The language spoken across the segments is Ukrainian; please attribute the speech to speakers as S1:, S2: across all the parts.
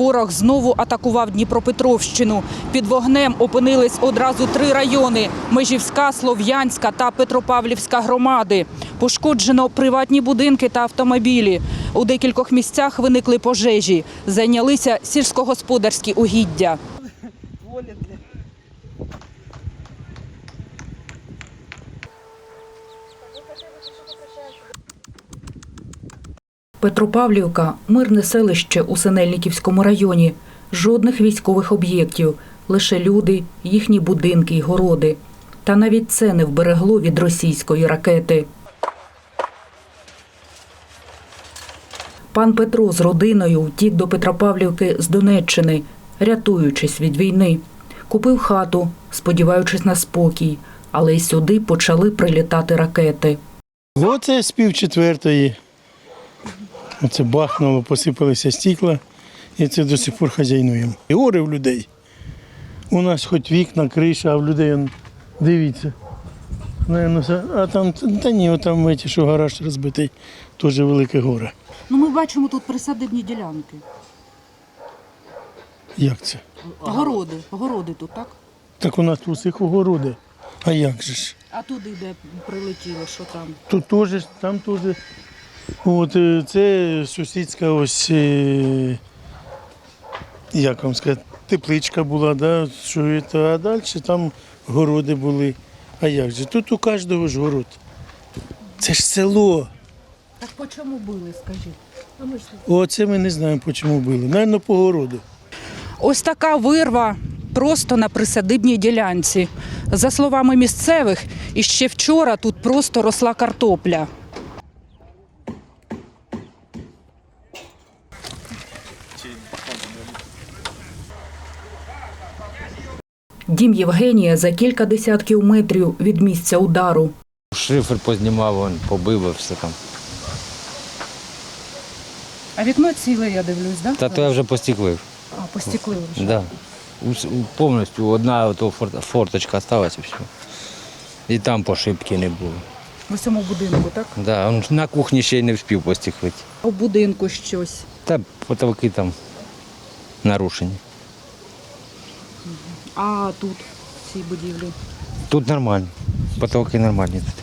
S1: ворог знову атакував Дніпропетровщину. Під вогнем опинились одразу 3 райони – Межівська, Слов'янська та Петропавлівська громади. Пошкоджено приватні будинки та автомобілі. У декількох місцях виникли пожежі. Зайнялися сільськогосподарські угіддя. Петропавлівка – мирне селище у Синельниківському районі. Жодних військових об'єктів, лише люди, їхні будинки й городи. Та навіть це не вберегло від російської ракети. Пан Петро з родиною втік до Петропавлівки з Донеччини, рятуючись від війни. Купив хату, сподіваючись на спокій, але й сюди почали прилітати ракети.
S2: Оце з 3:30. Оце бахнуло, посипалися стекла, і це до сих пор хазяйнуємо. І горе в людей. У нас хоч вікна, криша, а в людей, дивіться. А там, та ні, там, що гараж розбитий, теж велике горе.
S1: Ну, ми бачимо тут присадибні ділянки.
S2: Як це?
S1: Городи тут, так?
S2: Так у нас у всіх огороди. А як же ж?
S1: А туди, де прилетіло, що там?
S2: Тут теж, там теж. От це сусідська ось, як вам сказати, тепличка була, да, що це, а далі там городи були. А як же? Тут у кожного ж город. Це ж село.
S1: Так по чому били, скажіть?
S2: Оце ми не знаємо, по чому били. Навірно, по городу.
S1: Ось така вирва просто на присадибній ділянці. За словами місцевих, іще вчора тут просто росла картопля. Дім Євгенія за кілька десятків метрів від місця удару.
S3: Шифер познімав, побив і все там.
S1: А вікно ціле, я дивлюсь, так?
S3: Та то я вже постеклив.
S1: А, постеклили вже.
S3: Да. Повністю одна форточка залишилася і все. І там пошибки не було.
S1: В цьому будинку, так?
S3: Да, на кухні ще й не встиг постеклити.
S1: У будинку щось.
S3: Та потолки там нарушені.
S1: А тут, в цій будівлі?
S3: Тут нормально. Потолки нормальні тут.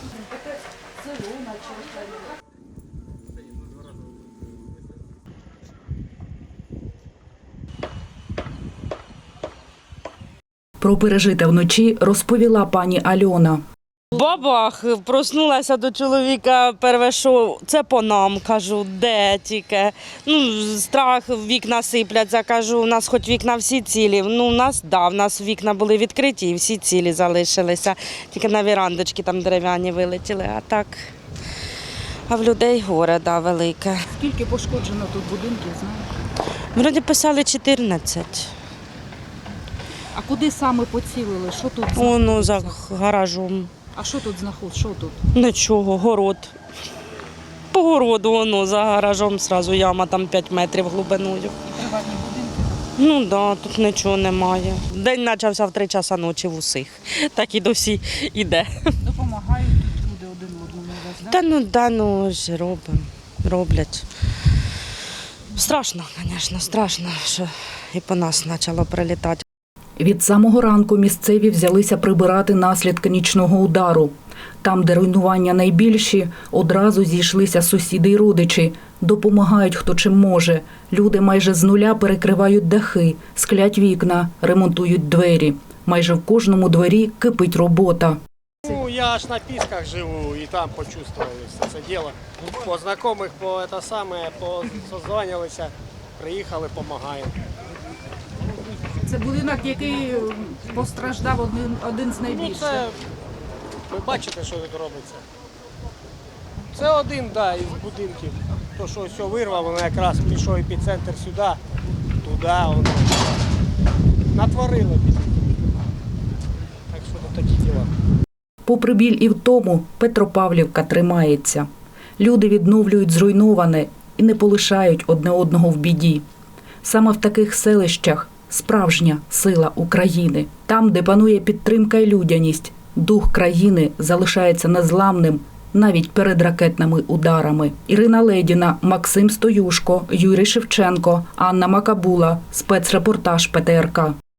S1: Про пережите вночі розповіла пані Альона.
S4: Бабах, проснулася до чоловіка, перше, що це по нам, кажу, де тільки. Страх, вікна сипляться, кажу, у нас хоч вікна всі цілі. У нас вікна були відкриті і всі цілі залишилися. Тільки на вірандочки там дерев'яні вилетіли, а так. А в людей горе, велике.
S1: Скільки пошкоджено тут будинків, знаєш?
S4: Вроді писали 14.
S1: А куди саме поцілили? Що тут?
S4: Воно за гаражом.
S1: А що тут знаходиться? Що тут?
S4: Нічого, город. По городу воно за гаражом одразу яма, там 5 метрів глибиною.
S1: Приватні будинки?
S4: Так, тут нічого немає. День почався в 3 часа ночі в усіх. Так і до всіх іде.
S1: Допомагають тут люди один одному.
S4: Ж роблять. Страшно, звісно, страшно, що і по нас почало прилітати.
S1: Від самого ранку місцеві взялися прибирати наслідки нічного удару. Там, де руйнування найбільші, одразу зійшлися сусіди й родичі. Допомагають хто чим може. Люди майже з нуля перекривають дахи, склять вікна, ремонтують двері. Майже в кожному дворі кипить робота.
S5: Я аж на Пісках живу і там почувствували все це діло. По знайомих, созвонилися, приїхали, допомагаємо.
S1: Це будинок, який постраждав один з найбільших.
S5: Ви бачите, що тут робиться. Це один із будинків. То, що все вирвало, воно якраз пішов епіцентр сюди, туди. Воно. Натворило. Так що тут такі діла.
S1: Попри біль і втому, Петропавлівка тримається. Люди відновлюють зруйноване і не полишають одне одного в біді. Саме в таких селищах справжня сила України. Там, де панує підтримка і людяність, дух країни залишається незламним навіть перед ракетними ударами. Ірина Ледіна, Максим Стоюшко, Юрій Шевченко, Анна Макабула. Спецрепортаж ПТРК.